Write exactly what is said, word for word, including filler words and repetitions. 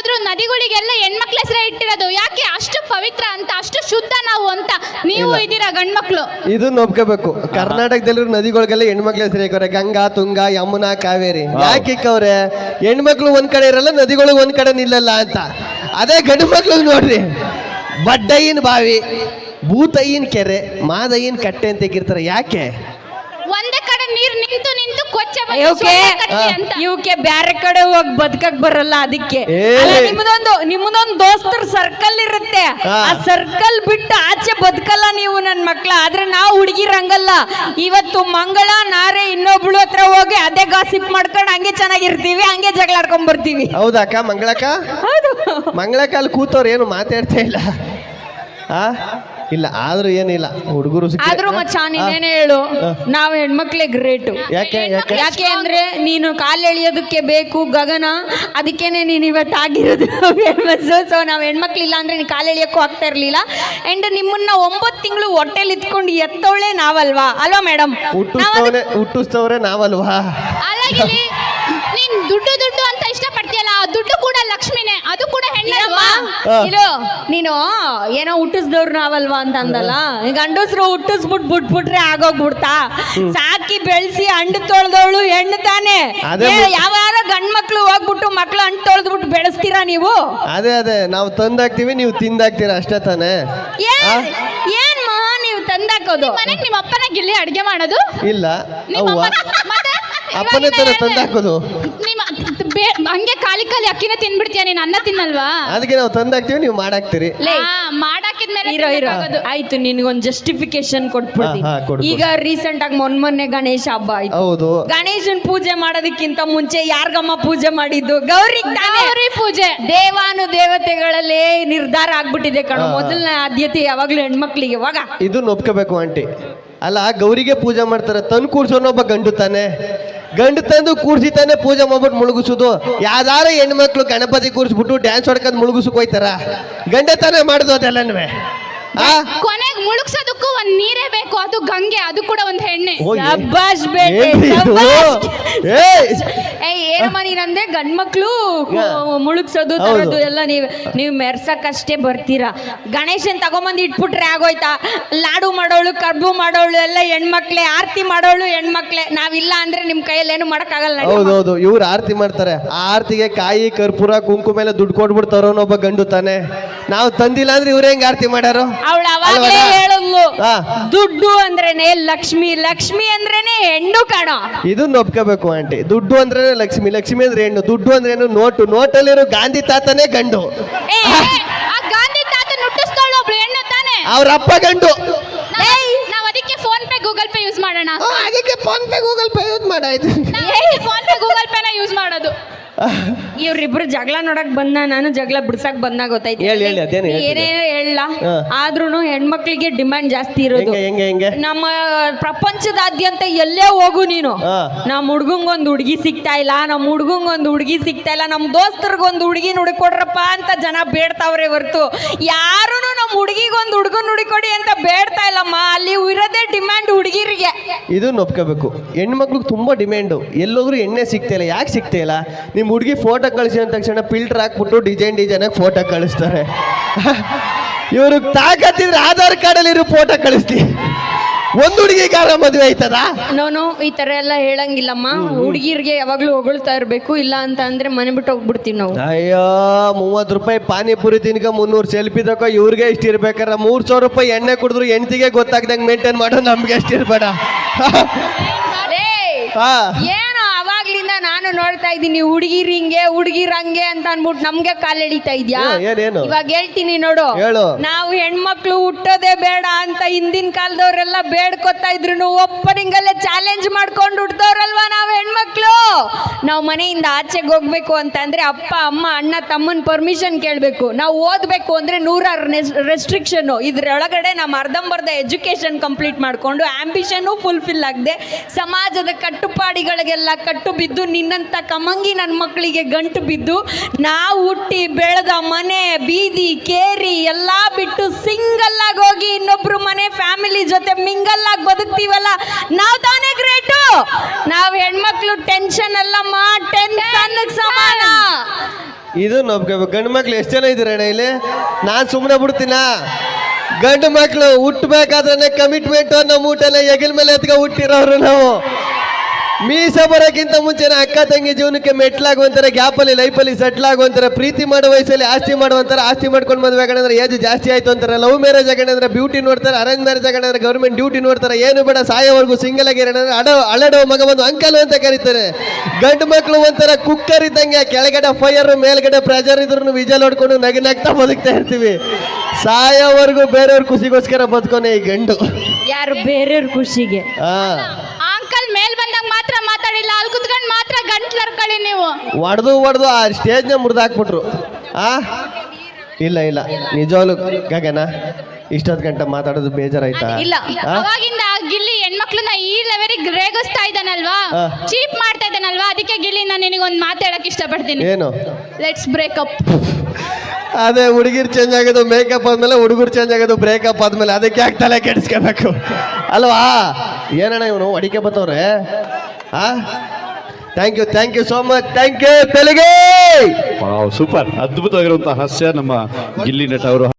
ಹೋದ್ರು ನದಿಗಳಿಗೆಲ್ಲ ಹೆಣ್ಮಕ್ಳ ಹೆಸರೇ ಇಟ್ಟಿರೋದು. ಯಾಕೆ? ಅಷ್ಟು ಪವಿತ್ರ ಅಂತ, ಅಷ್ಟು ಶುದ್ಧ ನಾವು ಅಂತ. ನೀವು ಇದ್ದೀರಾ ಗಂಡ್ಮಕ್ಳು. ಇದನ್ನ ಒಪ್ಕೋಬೇಕು. ಕರ್ನಾಟಕದಲ್ಲಿರೋ ನದಿಗಳಿಗೆಲ್ಲ ಹೆಣ್ಮಕ್ಳ ಹೆಸರು ಇಕ್ಕವ್ರೆ. ಗಂಗಾ, ತುಂಗ, ಯಮುನಾ, ಕಾವೇರಿ. ಯಾಕೆ ಇಕ್ಕವ್ರೆ? ಹೆಣ್ಮಕ್ಳು ಒಂದ್ ಕಡೆ ಇರಲ್ಲ, ನದಿಗಳು ಒಂದ್ ಕಡೆ ನಿಲ್ಲಲ್ಲ ಅಂತ. ಅದೇ ಗಂಡು ಮಕ್ಳು ನೋಡ್ರಿ, ಬಡ್ಡಯ್ಯನ ಬಾವಿ, ಭೂತಯ್ಯನ ಕೆರೆ, ಮಾದಯ್ಯನ ಕಟ್ಟೆ ಅಂತ ಇಕ್ಕಿರ್ತಾರೆ. ಯಾಕೆ? ಒಂದೇ ಕಡೆ ನೀರ್ ನಿಂತು ನಿಂತು ಕೊಚ್ಚೆ ಇವಕ್ಕೆ ಇವಕ್ಕೆ ಬ್ಯಾರೆ ಕಡೆ ಹೋಗಿ ಬದುಕಕ್ ಬರಲ್ಲ. ಅದಕ್ಕೆ ನಿಮ್ಮದೊಂದು ನಿಮ್ಮದೊಂದು ದೋಸ್ತರ ಸರ್ಕಲ್ ಇರುತ್ತೆ. ಆ ಸರ್ಕಲ್ ಬಿಟ್ಟು ಆಚೆ ಬದುಕಲ್ಲ ನೀವು ನನ್ ಮಕ್ಳ. ಆದ್ರೆ ನಾವು ಹುಡುಗಿರ್ ಹಂಗಲ್ಲ. ಇವತ್ತು ಮಂಗಳ ನಾರೆ ಇನ್ನೊಬ್ಳು ಹತ್ರ ಹೋಗಿ ಅದೇ ಗಾಸಿಪ್ ಮಾಡ್ಕೊಂಡು ಹಂಗೆ ಚೆನ್ನಾಗಿರ್ತೀವಿ, ಹಂಗೆ ಜಗಳ ಆಡ್ಕೊಂಡ್ ಬರ್ತೀವಿ. ಹೌದಕ್ಕ? ಮಂಗಳಕ್ಕ ಹೌದು. ಮಂಗಳಕ್ಕ ಅಲ್ಲಿ ಕೂತವ್ರು ಏನು ಮಾತಾಡ್ತಾ ಇಲ್ಲ. ಆ ಇಲ್ಲ ಆದ್ರೂ ಏನಿಲ್ಲ, ಹುಡುಗರು ಆದ್ರೂ ಮಚ್ಚ ನೀನೇನೇ ಹೇಳು, ನಾವು ಹೆಣ್ಮಕ್ಳೇ ಗ್ರೇಟು. ಯಾಕೆ ಯಾಕೆ ಯಾಕೆ ಅಂದ್ರೆ ನೀನು ಕಾಲು ಎಳಿಯೋದಕ್ಕೆ ಬೇಕು ಗಗನ, ಅದಕ್ಕೇನೆ ನೀನು ಇವತ್ತು ಆಗಿರೋದು ಫೇಮಸ್. ಸೊ ನಾವು ಹೆಣ್ಮಕ್ಳು ಇಲ್ಲ ಅಂದ್ರೆ ನೀನು ಕಾಲು ಎಳಿಯೋಕ್ಕೂ ಆಗ್ತಾ ಇರ್ಲಿಲ್ಲ. ಅಂಡ್ ನಿಮ್ಮನ್ನ ಒಂಬತ್ತು ತಿಂಗಳು ಹೊಟ್ಟೆಲಿ ಇತ್ಕೊಂಡು ಎತ್ತೋಳೆ ನಾವಲ್ವಾ? ಅಲ್ವಾ ಮೇಡಮ್? ಹುಟ್ಟಿಸ್ತವ್ರೆ ಹುಟ್ಟಿಸ್ತವ್ರೆ ನಾವಲ್ವಾ? ನೀನ್ ದುಡ್ಡು ದುಡ್ಡು ಅಂತ ಇಷ್ಟ ಪಡ್ತೀಯಲ್ಲ, ಆ ದುಡ್ಡು ಕೂಡ ಲಕ್ಷ್ಮಿನೇ, ಅದು ಕೂಡ ಹೆಣ್ಣಲ್ವಾ? ಇರು, ನೀನು ಏನೋ ಹುಟ್ಟಿಸ್ದವ್ರು ನಾವಲ್ವಾ ಅಂತ ಅಂದಲ್ಲ. ಗಂಡಸ್ರು ಹುಟ್ಟಿಸ್ಬಿಟ್ ಬಿಟ್ಬಿಟ್ರೆ ಆಗೋಗ್ಬಿಡ್ತಾ? ಸಾಕಿ ಬೆಳೆಸಿ ಹಣ್ಣು ತೊಳೆದವಳು ಹೆಣ್ಣು ತಾನೆ. ಯಾವಾರ ಗಂಡ್ ಮಕ್ಳು ಹೋಗ್ಬಿಟ್ಟು ಮಕ್ಳು ಹಣ್ಣು ತೊಳೆದ್ಬಿಟ್ಟು ಬೆಳೆಸ್ತೀರಾ ನೀವು? ಅದೇ ಅದೇ ನಾವು ತಂದಾಕ್ತಿವಿ, ನೀವು ತಿಂದಾಕ್ತೀರಾ ಅಷ್ಟೇ ತಾನೆ. ಏನ್ ಮಹಾ ನೀವು ತಂದಾಕೋದು? ಮನೆಗೆ ನಿಮ್ಮ ಅಪ್ಪನ ಗಿಲ್ಲಿ ಅಡ್ಗೆ ಮಾಡೋದು ಇಲ್ಲ, ಅಪ್ಪನೇ ತರ ತಂದಾಕೋದು. ಹಂಗೆ ಖಾಲಿ ಖಾಲಿ ಅಕ್ಕಿನ ತಿನ್ಬಿಡ್ತೀಯ ನೀನ್, ಅನ್ನ ತಿನ್ನಲ್ವಾ? ಅದಕ್ಕೆ ನಾವು ತಂದಾಕ್ತಿವಿ, ನೀವು ಮಾಡಾಕ್ತಿರಿ. ಮಾಡಾಕಿದ್ಮೇಲೆ ಆಯ್ತು, ನಿನ್ಗೊಂದು ಜಸ್ಟಿಫಿಕೇಶನ್ ಕೊಟ್ಬಿಡ್ತೀನಿ. ಈಗ ರೀಸೆಂಟ್ ಆಗಿ ಮೊನ್ ಮೊನ್ನೆ ಗಣೇಶ ಹಬ್ಬ ಆಯ್ತು. ಹೌದು. ಗಣೇಶನ್ ಪೂಜೆ ಮಾಡೋದಕ್ಕಿಂತ ಮುಂಚೆ ಯಾರ್ಗಮ್ಮ ಪೂಜೆ ಮಾಡಿದ್ದು? ಗೌರಿ ಗೌರಿ ಪೂಜೆ. ದೇವಾನು ದೇವತೆಗಳಲ್ಲೇ ನಿರ್ಧಾರ ಆಗ್ಬಿಟ್ಟಿದೆ ಕಣೋ. ಮೊದಲನೇ ಆದ್ಯತೆ ಯಾವಾಗ್ಲೂ ಹೆಣ್ಮಕ್ಳಿಗೆ. ಇವಾಗ ಇದು ಒಪ್ಕೋಬೇಕು ಆಂಟಿ. ಅಲ್ಲ, ಗೌರಿಗೆ ಪೂಜೆ ಮಾಡ್ತಾರೆ, ತಂದು ಕೂರ್ಸೋನೊಬ್ಬ ಗಂಡು ತಾನೆ. ಗಂಡು ತಂದು ಕೂರ್ಸಿ ತಾನೆ ಪೂಜೆ ಮಾಡ್ಬಿಟ್ಟು ಮುಳುಗಿಸೋದು. ಯಾವ್ದಾರ ಹೆಣ್ಮಕ್ಳು ಗಣಪತಿ ಕೂರಿಸ್ಬಿಟ್ಟು ಡ್ಯಾನ್ಸ್ ಹೊಡ್ಕೊಂಡ್ ಮುಳುಗಿಸಕ್ ಹೋಯ್ತಾರ? ಗಂಡ ತಾನೇ ಮಾಡುದು ಅದೆಲ್ಲನ್ವೇ. ಕೊನೆಗೆ ಮುಳುಗ್ಸೋದಕ್ಕೂ ಒಂದ್ ನೀರೇ ಬೇಕು, ಅದು ಗಂಗೆ, ಅದು ಕೂಡ ಒಂದ್ ಹೆಣ್ಣೆ. ಶಬ್ಬಾಷ್ ಬೇಟೆ. ಏನಮ್ಮ ನೀನಂದ್ರೆ ಗಂಡ್ಮಕ್ಳು ಮುಳುಗ್ಸೋದು ತರೋದು ಎಲ್ಲ ನೀವ್ ನೀವ್ ಮೆರ್ಸಕ್ಕಷ್ಟೇ ಬರ್ತೀರಾ. ಗಣೇಶನ್ ತಗೊಂಬಂದು ಇಟ್ಬಿಟ್ರೆ ಆಗೋಯ್ತಾ? ಲಾಡು ಮಾಡೋಳು, ಕರ್ಬು ಮಾಡೋಳು ಎಲ್ಲ ಹೆಣ್ಮಕ್ಳೆ, ಆರತಿ ಮಾಡೋಳು ಹೆಣ್ಮಕ್ಳೆ. ನಾವಿಲ್ಲ ಅಂದ್ರೆ ನಿಮ್ ಕೈಯಲ್ಲಿ ಏನು ಮಾಡಕ್ಕಾಗಲ್ಲ. ಹೌದೌದು, ಇವ್ರು ಆರತಿ ಮಾಡ್ತಾರೆ. ಆ ಆರತಿಗೆ ಕಾಯಿ, ಕರ್ಪೂರ, ಕುಂಕುಮ ಎಲ್ಲ ದುಡ್ಡು ಕೊಟ್ಬಿಡ್ತಾರ ಒಬ್ಬ ಗಂಡು ತಾನೆ. ನಾವು ತಂದಿಲ್ಲ ಅಂದ್ರೆ ಇವ್ರ ಹೆಂಗ್ ಆರತಿ ಮಾಡ್ಯಾರು? ಅವಳು ಅವಾಗಲೇ ಹೇಳಲ್ಲು, ದುಡ್ಡು ಅಂದ್ರೇನೆ ಲಕ್ಷ್ಮಿ, ಲಕ್ಷ್ಮಿ ಅಂದ್ರೇನೆ ಹೆಣ್ಣು ಕಾಣೋ. ಇದನ್ನ ಒಪ್ಕೋಬೇಕು ಆಂಟಿ. ದುಡ್ಡು ಅಂದ್ರೆ ಲಕ್ಷ್ಮಿ, ಲಕ್ಷ್ಮಿ ಅಂದ್ರೆ ಹೆಣ್ಣು. ದುಡ್ಡು ಅಂದ್ರೆ ಏನು? ನೋಟು. ನೋಟಲ್ಲಿರೋ ಗಾಂಧಿ ತಾತನೇ ಗಂಡು. ಗಾಂಧಿ ತಾತ ನುಟ್ಟಿಸ್ತಾಳು ಒಬ್ಳು ಹೆಣ್ಣು ತಾನೆ. ಅವ್ರ ಅಪ್ಪ ಗಂಡು. ನಾವ್ ಅದಕ್ಕೆ PhonePe Google Pay use ಮಾಡೋಣ. ಅದಕ್ಕೆ PhonePe Google Pay use ಮಾಡಾಯ್ತು. ಫೋನ್ ಪೇ ಗೂಗಲ್ ಪೇನ ಯೂಸ್ ಮಾಡೋದು. ಇವ್ರಿಬ್ರು ಜಗಳ ನೋಡಕ್ ಬಂದ, ನಾನು ಜಗಳ ಬಿಡ್ಸಕ್ ಬಂದ ಗೊತ್ತಾಯ್ತು. ಏನೇ ಹೇಳ, ಆದ್ರೂನು ಹೆಣ್ಮಕ್ಳಿಗೆ ಡಿಮ್ಯಾಂಡ್ ಜಾಸ್ತಿ ಇರೋದು. ನಮ್ಮ ಪ್ರಪಂಚದಾದ್ಯಂತ ಎಲ್ಲೇ ಹೋಗು ನೀನು, ನಮ್ ಹುಡ್ಗಂಗೊಂದ್ ಹುಡ್ಗಿ ಸಿಗ್ತಾ ಇಲ್ಲ, ನಮ್ ಹುಡ್ಗಂಗೊಂದ್ ಹುಡ್ಗಿ ಸಿಗ್ತಾ ಇಲ್ಲ, ನಮ್ ದೋಸ್ತರ್ಗೊಂದ್ ಹುಡ್ಗಿ ನುಡಿಕೊಡ್ರಪ್ಪ ಅಂತ ಜನ ಬೇಡ್ತಾವ್ರೆ ಹೊರ್ತು ಯಾರು ನಮ್ ಹುಡ್ಗಿಗೊಂದ್ ಹುಡ್ಗನ್ ನುಡಿಕೊಡಿ ಅಂತ ಬೇಡ್ತಾ ಇಲ್ಲಮ್ಮ. ಅಲ್ಲಿ ಇರೋದೇ ಡಿಮ್ಯಾಂಡ್ ಹುಡುಗಿರಿಗೆ. ಇದನ್ನ ಒಪ್ಕೋಬೇಕು. ಹೆಣ್ಮಕ್ಳಿಗೆ ತುಂಬಾ ಡಿಮ್ಯಾಂಡು. ಎಲ್ಲೋದ್ರು ಎಣ್ಣೆ ಸಿಗ್ತಾ ಇಲ್ಲ. ಯಾಕೆ ಸಿಗ್ತಾ ಇಲ್ಲ? ನಿಮ್ ಹುಡುಗಿ ಫೋಟೋ ಕಳಿಸಿ ಅಂದ ತಕ್ಷಣ ಫಿಲ್ಟರ್ ಹಾಕ್ಬಿಟ್ಟು ಡಿಸೈನ್ ಡಿಸೈನ್ ಆಗಿ ಫೋಟೋ ಕಳಿಸ್ತಾರೆ. ಇವ್ರಿಗೆ ತಾಕತ್ತಿದ್ರೆ ಆಧಾರ್ ಕಾರ್ಡಲ್ಲಿ ಇರೋ ಫೋಟೋ ಕಳಿಸ್ತೀವಿ. ಒಂದ್ ಹುಡುಗಿಗಾರ ಮದುವೆ ಆಯ್ತದ? ನೋನು ಈ ತರ ಎಲ್ಲ ಹೇಳಂಗಿಲ್ಲಮ್ಮ. ಹುಡುಗಿರ್ಗೆ ಯಾವಾಗ್ಲೂ ಹೊಗಳ್ತಾ ಇರ್ಬೇಕು, ಇಲ್ಲ ಅಂತ ಅಂದ್ರೆ ಮನೆ ಬಿಟ್ಟು ಹೋಗ್ಬಿಡ್ತೀವಿ ನಾವು. ಅಯ್ಯೋ, ಮೂವತ್ ರೂಪಾಯಿ ಪಾನಿಪುರಿ ತಿನ್ಕ ಮುನ್ನೂರು ಸೆಲ್ಫಿ ತಕೋ ಇವ್ರಿಗೆ ಇಷ್ಟ ಇರ್ಬೇಕಾರ. ಮೂರ್ ಸಾವಿರ ರೂಪಾಯಿ ಎಣ್ಣೆ ಕುಡಿದ್ರು ಹೆಂಡತಿಗೆ ಗೊತ್ತಾಗ್ದಂಗೆ ಮೇಂಟೈನ್ ಮಾಡೋ ನಮ್ಗೆ ಎಷ್ಟು ಇರ್ಬೇಡ. ಏನು ಅವಾಗ್ಲಿಂದ ನಾನು ನೋಡ್ತಾ ಇದ್ದೀನಿ, ಹುಡುಗಿರ್ ಹಿಂಗೆ ಹುಡುಗಿರ್ ಹಂಗೆ ಅಂತ ಅನ್ಬಿಟ್ಟು ನಮ್ಗೆ ಕಾಲ್ ಎಳಿತಾ ಇದ್ಯಾ? ಇವಾಗ ಹೇಳ್ತೀನಿ ನೋಡು, ನಾವು ಹೆಣ್ಮಕ್ಳು ಹುಟ್ಟೋದೇ ಬೇಡ ಅಂತ ಹಿಂದಿನ ಕಾಲದವ್ರೆಲ್ಲ ಬೇಡ್ಕೊತಾ ಇದ್ರು. ಓಪನಿಂಗ್ ಅಲ್ಲೇ ಚಾಲೆಂಜ್ ಮಾಡ್ಕೊಂಡು ಹುಟ್ಟದವ್ರಲ್ವಾ ನಾವು ಹೆಣ್ಮಕ್ಳು. ನಾವು ಮನೆಯಿಂದ ಆಚೆಗೆ ಹೋಗ್ಬೇಕು ಅಂತಂದ್ರೆ ಅಪ್ಪ ಅಮ್ಮ ಅಣ್ಣ ತಮ್ಮನ್ ಪರ್ಮಿಷನ್ ಕೇಳಬೇಕು. ನಾವು ಓದ್ಬೇಕು ಅಂದ್ರೆ ನೂರಾರು ರೆಸ್ಟ್ರಿಕ್ಷನ್. ಇದ್ರೊಳಗಡೆ ನಮ್ಮ ಅರ್ಧಂಬರ್ಧ ಎಜುಕೇಶನ್ ಕಂಪ್ಲೀಟ್ ಮಾಡ್ಕೊಂಡು ಆಂಬಿಷನ್ ಫುಲ್ಫಿಲ್ ಆಗದೆ ಸಮಾಜದ ಕಟ್ಟುಪಾಡಿಗಳಿಗೆಲ್ಲ ಕಟ್ಟು ಬಿದ್ದು ನಿನ್ನಂತ ಕಮಂಗಿ ನನ್ನ ಮಕ್ಕಳಿಗೆ ಗಂಟು ಬಿದ್ದು ನಾವು ಹುಟ್ಟಿ ಬೆಳೆದ ಮನೆ ಬೀದಿ ಕೇರಿ ಎಲ್ಲಾ ಬಿಟ್ಟು ಸಿಂಗಲ್ ಆಗಿ ಹೋಗಿ ಇನ್ನೊಬ್ರು ಮನೆ ಫ್ಯಾಮಿಲಿ ಜೊತೆ ಮಿಂಗಲ್ ಆಗಿ ಬದುಕ್ತೀವಲ್ಲ, ನಾವು ತಾನೇ ಗ್ರೇಟು. ನಾವು ಹೆಣ್ಮಕ್ಳು ಟೆನ್ಷನ್ ಅಲ್ಲಮ್ಮ, ಟೆನ್ಷನ್ ಸಮಾನ. ಇದು ನೊಬ್ಕೋಬೇಕು. ಗಂಡು ಮಕ್ಳು ಎಷ್ಟು ಜನ ಇದ್ದೀರ ಅಣ್ಣ ಇಲ್ಲಿ? ನಾನು ಸುಮ್ಮನೆ ಬಿಡ್ತೀನ. ಗಂಡು ಮಕ್ಳು ಹುಟ್ಟಬೇಕಾದ್ರೆ ಕಮಿಟ್ಮೆಂಟ್ ನಮ್ಮ ಊಟನ ಹೆಗಲ ಮೇಲೆ ಎತ್ಕ ಹುಟ್ಟಿರೋರು ನಾವು. ಮೀಸ ಬರೋಕ್ಕಿಂತ ಮುಂಚೆನೆ ಅಕ್ಕ ತಂಗಿ ಜೀವನಕ್ಕೆ ಮೆಟ್ಲಾಗುವಂತಾರೆ, ಗ್ಯಾಪಲ್ಲಿ ಲೈಫಲ್ಲಿ ಸೆಟ್ಲ್ ಆಗುವಂತಾರೆ, ಪ್ರೀತಿ ಮಾಡೋ ವಯಸ್ಸಲ್ಲಿ ಆಸ್ತಿ ಮಾಡುವಂತಾರೆ, ಆಸ್ತಿ ಮಾಡ್ಕೊಂಡು ಮದುವೆ ಆಗಂದ್ರೆ ಏಜ್ ಜಾಸ್ತಿ ಆಯ್ತು ಅಂತಾರೆ, ಲವ್ ಮ್ಯಾರೇಜ್ ಆಗಂದ್ರೆ ಬ್ಯೂಟಿ ನೋಡ್ತಾರೆ, ಅರೇಂಜ್ ಮ್ಯಾರೇಜ್ ಆಗಂದ್ರೆ ಗೌರ್ಮೆಂಟ್ ಡ್ಯೂಟಿ ನೋಡ್ತಾರೆ, ಏನು ಬೇಡ ಸಾಯೋವರೆಗೂ ಸಿಂಗಲ್ ಆಗಿರೋಣ ಅಡ ಅಳಡೋ ಮಗ ಬಂದು ಅಂಕಲ್ ಅಂತ ಕರೀತಾರೆ. ಗಂಡು ಮಕ್ಳು ಒಂಥರ ಕುಕ್ಕರ್ ಇದ್ದಂಗೆ, ಕೆಳಗಡೆ ಫೈರ್ ಮೇಲ್ಗಡೆ ಪ್ರೆಜರ್ ಇದ್ರು ವಿಜಲ್ ಹೊಡ್ಕೊಂಡು ನಗಿ ನಗ್ತಾ ಬದುಕ್ತಾ ಇರ್ತೀವಿ. ಸಾಯೋವರೆಗೂ ಬೇರೆಯವ್ರ ಖುಷಿಗೋಸ್ಕರ ಬದುಕೋನೆ ಈ ಗಂಡು. ಯಾರು ಬೇರೆಯವ್ರ ಖುಷಿಗೆ. ಹಾ ಅಂಕಲ್ ಮೇಲ್ ಬಂದಾಗ ಮಾತ್ರ ಮಾತಾಡಿಲ್ಲ, ಅಲ್ಲಿ ಕುತ್ಕೊಂಡು ಮಾತ್ರ ಗಂಟ್ಲರ್ಕೊಳ್ಳಿ ನೀವು. ಹೊಡೆದು ಹೊಡೆದು ಆ ಸ್ಟೇಜ್ನ ಮುರಿದಾಕ್ಬಿಟ್ರು. ಆ ಇಲ್ಲ ಇಲ್ಲ ನಿಜವಾಗ್ಲು ಗಗನ ಇಷ್ಟೊತ್ತು ಗಂಟೆ ಮಾತಾಡೋದು ಬೇಜಾರಾಯ್ತಾ? ಇಲ್ಲ, ಅವಾಗಿಂದ ಆ ಗಿಲ್ಲಿ ಹೆಣ್ಮಕ್ಳನ್ನ ಈ ಲೆವೆಲಿಗೆ ರೇಗಿಸ್ತಾ ಇದ್ದಾನಲ್ವಾ, ಹಾ. ಚೀಪ್ ಮಾಡ್ತಾ ಇದ್ದಾನಲ್ವಾ, ಅದಕ್ಕೆ ಗಿಲ್ಲಿ ನಾನು ನಿನಗೊಂದು ಮಾತಾಡಕ್ ಇಷ್ಟಪಡ್ತೀನಿ. ಏನು? Let's breakup. ಅದೇ ಹುಡುಗಿರ್ ಚೇಂಜ್ ಆಗೋದು ಮೇಕಪ್ ಆದ್ಮೇಲೆ, ಹುಡುಗರು ಚೇಂಜ್ ಆಗೋದು ಬ್ರೇಕಪ್ ಆದ್ಮೇಲೆ, ಅದಕ್ಕೆ ಯಾಕೆ ತಲೆ ಕೆಡಿಸ್ಕೋಬೇಕು ಅಲ್ವಾ? ಏನಣ್ಣ ಇವನು ಅಡಿಕೆ ಬತ್ತವ್ರೆ? ಆ thank you thank you so much, thank you Telugu. Super, ಅದ್ಭುತವಾಗಿರುವಂತಹ ಹಾಸ್ಯ ನಮ್ಮ ಗಿಲ್ಲಿ ನಟ ಅವರು.